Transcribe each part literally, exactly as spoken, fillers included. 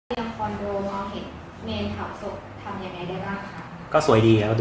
ยังคอนโดมองเห็นเมนเผาศพทำยังไงได้บ้างคะก็สวยดีแล้วดู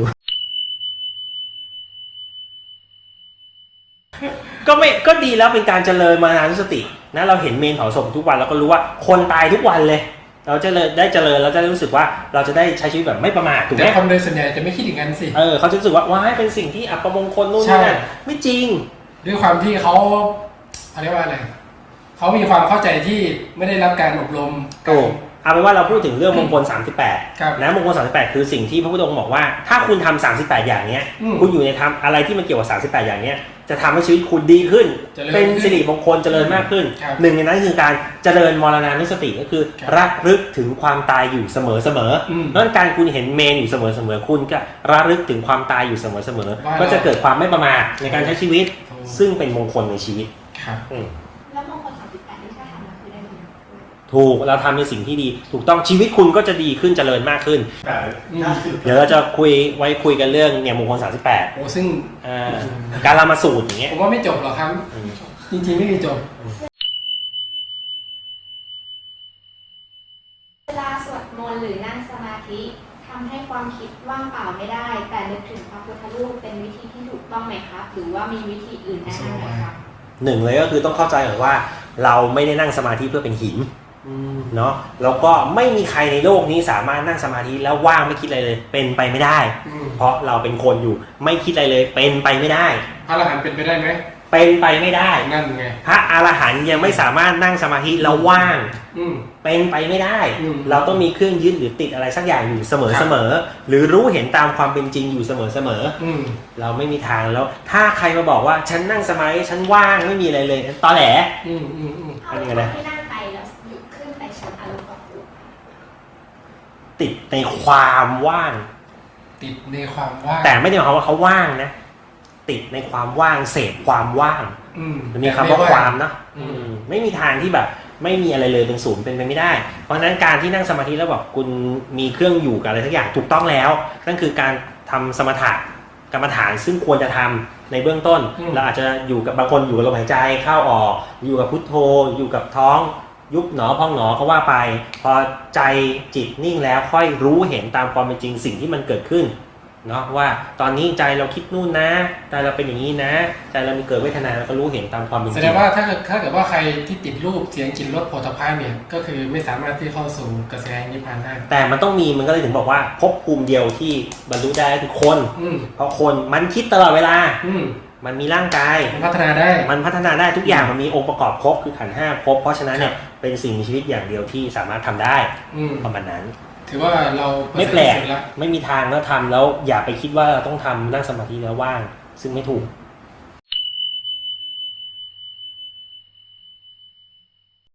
ก็ไม่ก็ดีแล้วเป็นการเจริญมานานุสตินะเราเห็นเมนเผาศพทุกวันเราก็รู้ว่าคนตายทุกวันเลยเราจะเลยได้เจริญเราจะรู้สึกว่าเราจะได้ใช้ชีวิตแบบไม่ประมาทถูกไหมแต่คนโดยส่วนใหญ่จะไม่คิดอย่างนั้นสิเออเขาจะรู้สึกว่าว้ายเป็นสิ่งที่อัปมงคลนู่นนี่นั่นไม่จริงด้วยความที่เขาเขาเรียกว่าอะไรเขามีความเข้าใจที่ไม่ได้รับการอบรมถูกเอาเป็นว่าเราพูดถึงเรื่องมงคลสามสิบแปดนะมงคลสามสิบแปดคือสิ่งที่พระพุทธองค์บอกว่าถ้าคุณทำสามสิบแปดอย่างเนี้ยคุณอยู่ในทำอะไรที่มันเกี่ยวกับสามสิบแปดอย่างเนี้ยจะทำให้ชีวิตคุณดีขึ้นเป็นสิริมงคลเจริญมากขึ้นหนึ่งในนั้นคือการเจริญมรณานุสติก็คือระลึกถึงความตายอยู่เสมอเสมอเพราะฉะนั้นการคุณเห็นเมนอยู่เสมอเสมอคุณก็ระลึกถึงความตายอยู่เสมอเสมอก็จะเกิดความไม่ประมาทในการใช้ชีวิตซึ่งเป็นมงคลในชีวิตแล้วมงคลสามสิบแปดที่ถ้าทำมาคือได้บุญถูกเราทำในสิ่งที่ดีถูกต้องชีวิตคุณก็จะดีขึ้นเจริญมากขึ้นเดี๋ยวเราจะคุยไว้คุยกันเรื่องเนี่ยมงคลสามสิบแปดโอ้ซึ่งการละมาสูตรอย่างเงี้ยผมว่าไม่จบหรอกครับจริงๆไม่มีจบเวลาสวดมนต์หรือนั่งสมาธิทำให้ความคิดว่างเปล่าไม่ได้แต่นึกถึงพระพุทธรูปเป็นวิธีที่ถูกต้องไหมครับหรือว่ามีวิธีอื่นแนะนำไหมครับหนึ่งเลยก็คือต้องเข้าใจก่อนว่าเราไม่ได้นั่งสมาธิเพื่อเป็นหินเนาะแล้วก็ไม่มีใครในโลกนี้สามารถนั่งสมาธิแล้วว่างไม่คิดอะไรเลยเป็นไปไม่ได้เพราะเราเป็นคนอยู่ไม่คิดอะไรเลยเป็นไปไม่ได้พระอรหันต์เป็นไปได้ไหมเป็นไปไม่ได้นั่นไงพระอรหันต์ยังไม่สามารถนั่งสมาธิแล้วว่างเป็นไปไม่ได้เราต้องมีเครื่องยึดหรือติดอะไรสักอย่างอยู่เสมอเสมอหรือรู้เห็นตามความเป็นจริงอยู่เสมอเสมอเราไม่มีทางแล้วถ้าใครมาบอกว่าฉันนั่งสมาธิฉันว่างไม่มีอะไรเลยตอแหลอะไรกันนะที่นั่งไปแล้วหยุดขึ้นไปชั้นอารมณ์กับผู้ติดในความว่างติดในความว่างแต่ไม่ได้หมายความว่าเขาว่างนะติดในความว่างเสพความว่างมันมีคำว่าความเนาะไม่มีทางที่แบบไม่มีอะไรเลยเป็นศูนย์เป็นไปไม่ได้เพราะฉะนั้นการที่นั่งสมาธิแล้วบอกคุณมีเครื่องอยู่กับอะไรสักอย่างถูกต้องแล้วนั่นคือการทำสมถะกรรมฐานซึ่งควรจะทำในเบื้องต้นเราอาจจะอยู่กับบางคนอยู่กับลมหายใจเข้าออกอยู่กับพุทโธอยู่กับท้องยุบหนอพองหนอก็ว่าไปพอใจจิตนิ่งแล้วค่อยรู้เห็นตามความเป็นจริงสิ่งที่มันเกิดขึ้นเนาะว่าตอนนี้ใจเราคิดนู่นนะใจเราเป็นอย่างนี้นะใจเรามีเกิดเวทนาเราก็รู้เห็นตามความเป็นจริงแสดงว่าถ้าเกิดถ้าเกิดว่าใครที่ติดรูปเสียงกลิ่นรสโผฏฐัพพะเนี่ยก็คือไม่สามารถที่เข้าสู่กระแสนิพพานได้แต่มันต้องมีมันก็เลยถึงบอกว่าภพภูมิเดียวที่บรรลุได้คือคนเพราะคนมันคิดตลอดเวลามันมีร่างกายมันพัฒนาได้มันพัฒนาได้ทุกอย่างมันมีองค์ประกอบครบคือขันธ์ห้าครบเพราะฉะนั้นเนี่ยเป็นสิ่งมีชีวิตอย่างเดียวที่สามารถทำได้ประมาณนั้นถือว่าเราไม่แปลกไม่มีทางแล้วทำแล้วอย่าไปคิดว่าเราต้องทำนั่งสมาธิแล้วว่างซึ่งไม่ถูก